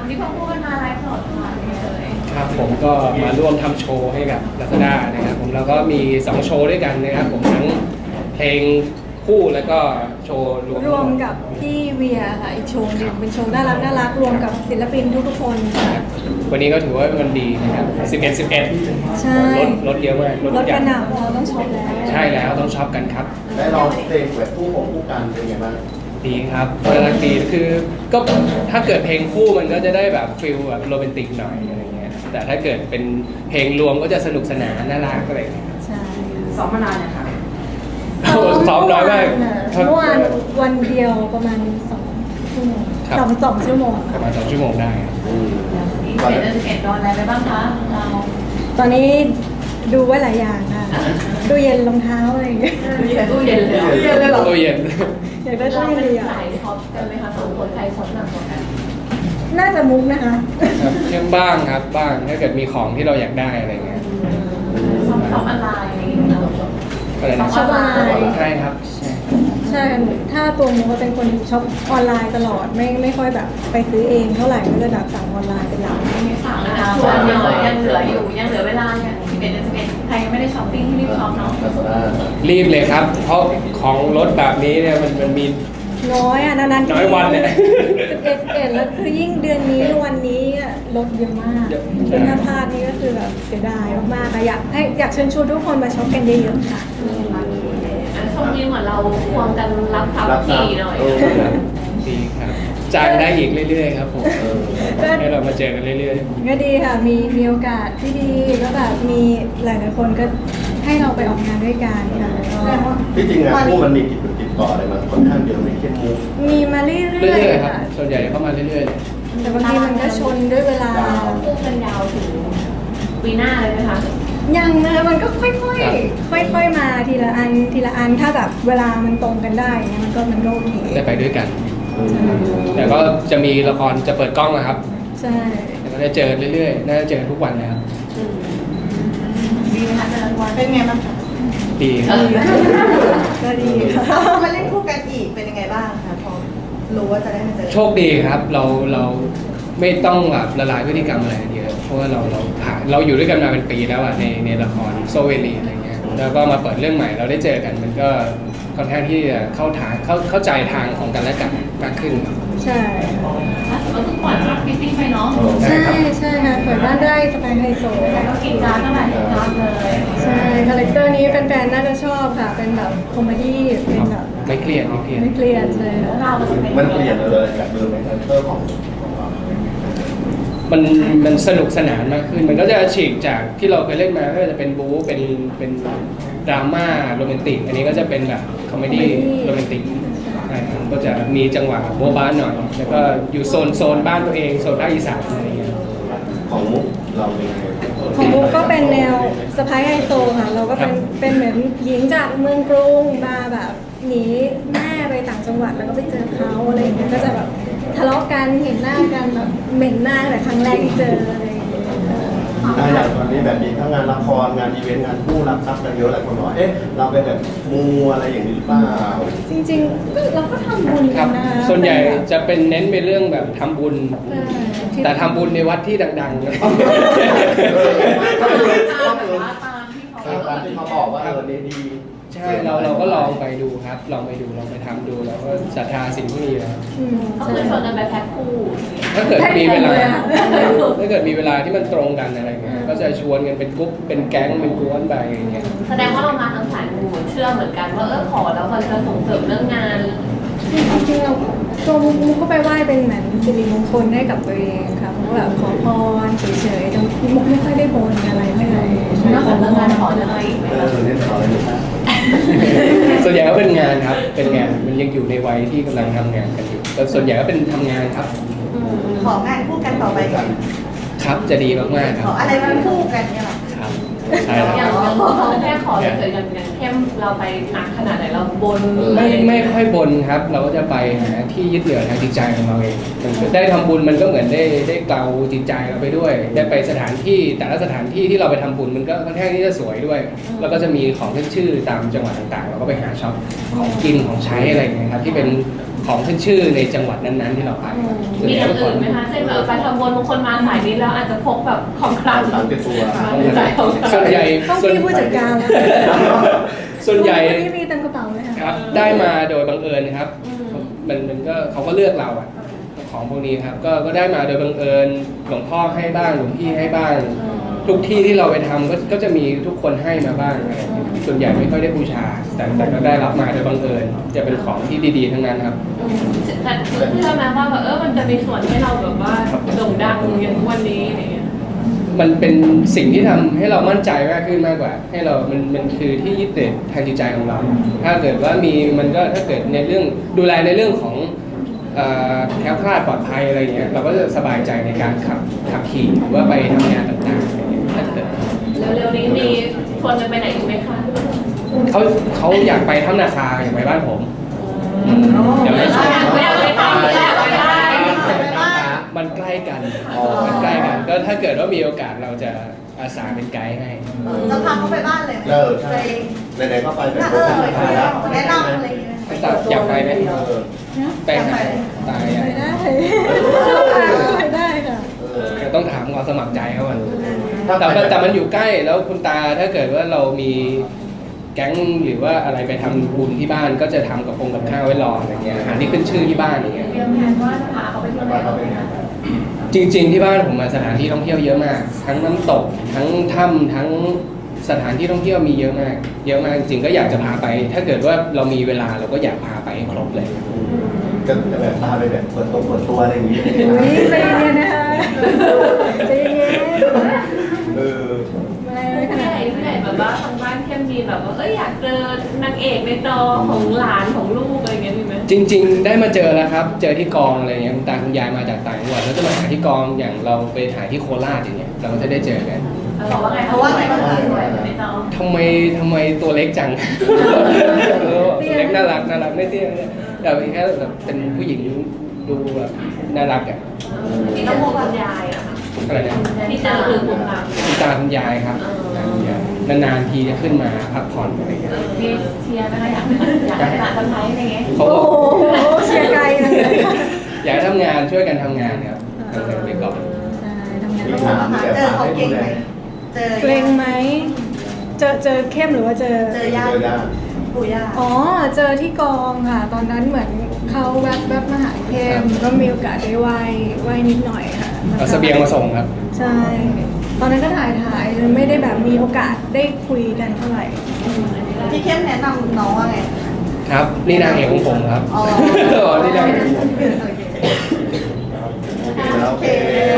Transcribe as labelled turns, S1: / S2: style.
S1: ที่พ่อพูดกันมาไลฟ์สดค่ะเลย
S2: ครับผมก็มาร่วมทำโชว์ให้กับลาซาด้านะครับผมแล้วก็มี2โชว์ด้วยกันนะครับผมทั้งเพลงคู่แล้วก็โชว์รวม
S3: กับพี่เวียค่ะอีกโชว์หนึงเป็นโชว์น่ารักรวมกับศิลปินทุกคนค่ะ
S2: วันนี้ก็ถือว่ามันดีนะครับ11
S3: ใช่
S2: รถเยอะมาก
S3: รถกระหน่ำเราต้องช็อปแล้ว
S2: ใช่แล้วต้องช็อปกันครับ
S4: ได้ลองเพลงแบบคู่ของคู่กันเป็นไงบ้าง
S2: ดีครับน่ารักดีคือก็ถ้าเกิดเพลงคู่มันก็จะได้แบบฟิลแบบโรแมนติกหน่อยอะไรเงี้ยแต่ถ้าเกิดเป็นเพลงรวมก็จะสนุกสนานน่ารักอะไรเงี้ย
S3: ใช่
S1: ซ้อมมานานเนี่ยค่ะ
S2: ซ้อมน้อยมาก
S3: เมื่อวานวันเดียวประมาณ2 ชั่วโมง2 ชั่วโมง
S2: ประมาณ2 ชั่วโมงได้
S1: 11 โดนอะไรไปบ้างคะเรา
S3: ตอนนี้ดูไว้หลายอย่างค่ะตู้เย็นรองเท้าอะไรอย่างเงี้ย
S1: ตู้เย็นเลย
S3: เหรอ
S2: ตู้เย็น
S3: อยากได้ตู้เย็นดีอ่ะ
S1: ใส่ช็อปกันไหมคะ2 คนใครช็อปหนักกว่ากัน
S3: น่าจะมุกนะคะ
S2: ครับเช่นบ้างครับบ้างถ้าเกิดมีของที่เราอยากได้อะไรเงี้ย
S1: ช็อปออนไลน์อะไรอย่างเงี้ย
S3: ช็อปออนไลน์
S2: ใช่ครับ
S3: ใช่ถ้าตัวมุกก็เป็นคนช็อปออนไลน์ตลอดไม่ค่อยแบบไปซื้อเองเท่าไหร่ก็จะแบบสั่งออนไลน์เป็นหลัก
S1: ไม่สั่งนะคะส่วนยังเหลืออยู่ยังเหลือเวลาเนี่ย11 ใครยังไม่ได้ช้อปปิ้งที่รีบช็อปเนาะ
S2: รีบเลยครับเพราะของรถแบบนี้เนี่ยมันมี
S3: น้อยอ่ะนานๆ
S2: น้อยวันเนี่ย
S3: 11แล้วคือยิ่งเดือนนี้วันนี้ลดเยอะมากคือถ้าพลาดนี่ก็คือแบบเสียดายมากๆค่ะอยากเชิญชวนทุกคนมาช็อปกันเยอะๆค่ะ
S1: ช่วงนี้เหมือนเราควงกันรับทรัพย์ทีหน่อย
S2: ดีครับจ้างได้อีกเรื่อยๆครับผมให้เรามาเจอกันเรื่อย
S3: ๆก็ดีค่ะมีโอกาสที่ดีก็แบบมีหลายๆคนก็ให้เราไปออกงานด้วยกันค่ะ
S4: ที่จริงงานคู่มันมีติดต่ออะไรมาค่อนข้างเยอะในเข้มมุก
S3: มีมาเรื่อยๆ
S2: ครับส่วนใหญ่เข้ามาเรื่อย
S3: ๆแต่บางทีมันก็ชนด้วยเวลา
S1: คู่กันยาวถึงปีหน้าเลยไหมคะ
S3: ยังนะมันก็ค่อยๆมาทีละอันถ้าแบบเวลามันตรงกันได้เนี่ยมันก็โอเค
S2: ได้ไปด้วยกันแต่ก็จะมีละครจะเปิดกล้องนะครับ
S3: ใช่
S2: แต่ก็จะเจอเรื่อยๆน่าจะเจอทุกวันนะครับ
S1: ดีไหมคะเจอทุกวัน
S3: เป็นไงบ้างคะ
S2: ดี
S3: ก็ดีค่ะ
S5: มาเล่นคู่กันอีกเป็นยังไงบ้างคะพอรู้ว่าจะได้มาเจอ
S2: โชคดีครับเราไม่ต้องแบบละลายพฤติกรรมอะไรเยอะเพราะว่าเราอยู่ด้วยกันมาเป็นปีแล้วอะในละครโซเวลีอะไรเงี้ยแล้วก็มาเปิดเรื่องใหม่เราได้เจอกันมันก็ค่อนข้างที่จะเข้าใจทางของกันและกันมากขึ้น
S3: ใช่
S1: เราต้องปล่อยภาพฟิตติ้งไปเนาะ
S3: ใช่ค่ะเปิดบ้านได้สไตล์ไฮโซ
S1: แล้วก็กินจานเท่าไหร่ครับเลย
S3: ใช่คาแรคเตอร์นี้แฟนๆน่าจะชอบค่ะเป็นแบบคอมเมดี้เป็นแบบ
S2: ไม่เครียด
S3: ใช่
S4: มันเปลี่ยนเลยจากเดิมในคาแรคเตอร์ของ
S2: มันสนุกสนานมากขึ้นมันก็จะฉีกจากที่เราเคยเล่นมาก็จะเป็นบู๊เป็นดราม่าโรแมนติกอันนี้ก็จะเป็นแบบคอมเมดี้โรแมนติกก็จะมีจังหวะโบ๊ะบ้านหน่อยแล้วก็อยู่โซนบ้านตัวเองโซนภาคอีสานอะไรอย่างเงี้ย
S4: ของมุกเราเป็นไง
S3: ของมุกก็เป็นแนวสไปซ์ไฮโซค่ะเราก็เป็นเหมือนหญิงจากเมืองกรุงมาแบบหนีแม่ไปต่างจังหวัดแล้วก็ไปเจอเขาอะไรอย่างเงี้ยก็จะแบบทะเลาะกันเห็นหน้ากันแบบเหม็นหน้าแต่ครั้งแรกที่เจออะไรอย่างเงี้ย
S4: อย่างตอนนี้แบบมีทั้งงานละครงานอีเวนต์งานคู่รับทรัพย์กันเยอะหลายคนบอกเราเป็นแบบมูอะไรอย่างนี้หรือเปล่า
S3: จริงๆเราก็ทำบุญกันนะ
S2: ส่วนใหญ่จะเป็นเน้นไปเรื่องแบบทำบุญแต่ทำบุญในวัดที่ดังๆนะ
S4: ตามที่เขาบอกว่าดี
S2: ใช่เราก็ลองไปดูครับลองไปทำดูแล้วก็ศรัทธาสิ่งที่มีแล้ว
S1: ก็คือชวนกันไปแพ็คคู่
S2: ถ้าเกิดมีเวลาที่มันตรงกันอะไรเงี้ยก็จะชวนกันเป็นกรุ๊ปเป็นแก๊งเป็นกวนไปอย่างเงี้ย
S1: แสดงว่าเรามาทางสายมูเชื่อเหมือนกันว่าขอแล้วมันจะส่งเสริมเรื่องงาน
S3: จริงๆเราตัวมุกก็ไปไหว้เป็นเหมือนสิริมงคลให้กับตัวเองค่ะเพราะแบบขอพรเฉยๆแต่มุกไม่ค่อยได้บนอะไรเท่าไหร่
S1: นอกจากเรื่องงานขออะไรอีกไหม
S4: เนี่ยขออะไรนะ
S2: ส่วนใหญ่ก็เป็นงานครับเป็นงานมันยังอยู่ในวัยที่กำลังทำงานกันอยู่แต่ส่วนใหญ่ก็เป็นทำงานครับ
S5: ของานคู่กันต่อไปก่อน
S2: ครับจะดีมากๆครับ
S5: ขออะไรมาคู่กันเนี่ยหรอ
S2: ครับใช่
S1: อย่างแค่ขอเฉยๆอย่างเข้มเราไปหนักขนาดไหนเราบน
S2: ไม่ค่อยบนครับเราก็จะไปหาที่ยึดเหนี่ยวทางจิตใจของเราเองได้ทำบุญมันก็เหมือนได้เกลาจิตใจเราไปด้วยได้ไปสถานที่แต่ละสถานที่ที่เราไปทำบุญมันก็ค่อนข้างที่จะสวยด้วยแล้วก็จะมีของขึ้นชื่อตามจังหวัดต่างๆเราก็ไปหาช็อปของกินของใช้อะไรอย่างเงี้ยครับที่เป็นของขึ้นชื่อในจังหวัดนั้นๆที่เราไปส่วน
S1: มี
S2: ให
S1: อ
S2: ญ่
S1: ย่าง
S2: ก็ขอ
S1: อื่นไหมคะเช่นแบบไปทำบุญบางคนมาสายนี้แล้วอาจจะพกแบบของคลัง
S4: ตามติดตัว
S1: ใส่ของคลัง
S2: ส่วนใหญ่
S3: ต้อง
S2: ส่วน
S3: พี่ผู้จัดการแล้ว
S2: ส่วนใหญ่
S3: พี่มีเต็มกระเป๋าเลยค่ะ
S2: ครับได้มาโดยบังเอิญครับมันก็เขาก็เลือกเราอะของพวกนี้ครับก็ได้มาโดยบังเอิญหลวงพ่อให้บ้างหลวงพี่ให้บ้าง ทุกที่ที่เราไปทำก็จะมีทุกคนให้มาบ้างอะไรอย่างเงี้ยส่วนใหญ่ไม่ค่อยได้บูชา แต่ก็ได้รับมาโดยบังเอิญจะเป็นของที่ดีๆทั้งนั้นครับ
S1: แต่เชื่อไหมว่าแบบมันจะมีส่วนให้เราแบบว่าโด่งดังอย่างทุกวันนี้อะไรเงี้ย
S2: มันเป็นสิ่งที่ทำให้เรามั่นใจมากขึ้นมากกว่า ให้เรามันคือที่ยึดติดทางจิตใจของเรา ถ้าเกิดว่ามีมันก็ถ้าเกิดในเรื่องดูแลในเรื่องของแคล้วคลาดปลอดภัยอะไรเงี้ยเราก็จะสบายใจในการขับขี่หรือว่าไปทำงานต่างๆอะไรเงี้ยถ้าเกิด
S1: เร็วๆนี้มีชวนกันไปไหนอีกไหมคะ
S2: เขาอยากไปถ้ำนาคาอยากไปบ้านผมเดี๋ยวไม่ชวน
S1: ไม่อยากไปทำไม่อยากไปได้
S2: มันใกล้กันมันใกล้กันก็ถ้าเกิดว่ามีโอกาสเราจะอาสาเป็นไกด์ให้
S5: จะพาเขาไปบ้านเลย
S4: ใช่ไหนๆก็ไปแบบ
S5: แนะนำอะไรอย่างเงี้ย
S2: ตัดอยากไปไหมไปหาตาย
S3: ไป
S2: อ่ะ
S3: ได้ไปได้ค่ะ
S2: แต่ต้องถามความสมัครใจเขาก่อนแต่มันอยู่ใกล้แล้วคุณตาถ้าเกิดว่าเรามีแก๊งหรือว่าอะไรไปทำบุญที่บ้านก็จะทำกับข้าวไว้รออะไรเงี้ยอาหารที่ขึ้นชื่อที่บ้านอย่างเงี้ย
S1: เตรียมแผนว่าจะพาเขาไปเที่ยวไหนบ้างไหมคะ
S2: จริง ๆที่บ้านผมมาสถานที่ท่องเที่ยวเยอะมาก ทั้งน้ำตกทั้งถ้ำทั้งสถานที่ท่องเที่ยวมีเยอะมากเยอะมากจริงๆก็อยากจะพาไป ถ้าเกิดว่าเรามีเวลาเราก็อยากพาไปให้ครบเลย
S4: จะแบบพาไปแบบเปิดตัวอะไรอย่างนี้
S3: อุ้ยใจเย็นๆนะคะใจเย็น
S4: เออ
S3: ๆไม่ข
S1: ผู้ให
S3: นาด
S1: ญ่ผู้ใหญ่แบบว่าทางบ้านเข้มมีแบบว่าอยากเจอนางเอกในจอของหลานของลูกอะไรเงี้ยมีไหม
S2: จริง ๆ ได้มาเจอแล้วครับ เจอที่กองอะไรเงี้ยคุณตาคุณยายมาจากต่างจังหวัดแล้วจะมาหาที่กองอย่างเราไปถ่ายที่โคราชอย่างเงี้ยเราก็จะได้เจอกัน
S1: บอกว่าไงเขาว่าไงบ้างคะสวยในจอ
S2: ทำไมตัวเล็กจัง ตัวเล็กน่ารักไม่เตี้ยเนี่ยแต่เป็นแค่แบบเป็นผู้หญิงดูแบบน่ารักอ่ะ
S1: ที่ต้องมองคุณยายอะค่ะ
S2: อะไรเนี่ย
S1: ที่เจอคือคุณตา
S2: คุณตาคุณยายครับนานๆทีจะขึ้นมาพักผ่อนอะไรเงี้ย
S1: ที่เชียร์นะคะอยากให้หลานทำไทยอะไรเงี้ย
S2: เขา
S3: โอ้โหเชียร์ไกลเลย
S2: อยากให้ทำงานช่วยกันทำงานครับทำงานไปก่อน
S3: ใช่ทำงาน
S4: มี
S3: ต้อง
S4: ถามมี
S5: เจ
S4: แต่
S5: อ
S4: ถาม
S5: เขา
S4: ให้ดู
S5: เก่ง
S4: แล
S5: ไหมเจอ
S3: เกรงไหมเจอเข้มหรือว่าเจอ
S5: เจอย่าปู่ย่า
S3: อ๋อ เจอที่กองค่ะ ตอนนั้นเหมือนเขาแวบมาหาเข้มก็มีโอกาสได้ไหว้นิดหน่อยค่ะ
S2: เอาเสบียงมาส่งครับ
S3: ใช่ ตอนนั้นก็ถ่ายไม่ได้แบบมีโอกาสได้คุยกันเท่าไหร่
S5: พี่เข้มแนะนำน้องว่าไง
S2: ครับนี่นางเอกของผมครับ
S5: อ๋อ
S2: นี่นางเอกของผม
S5: โอเค
S4: โอเค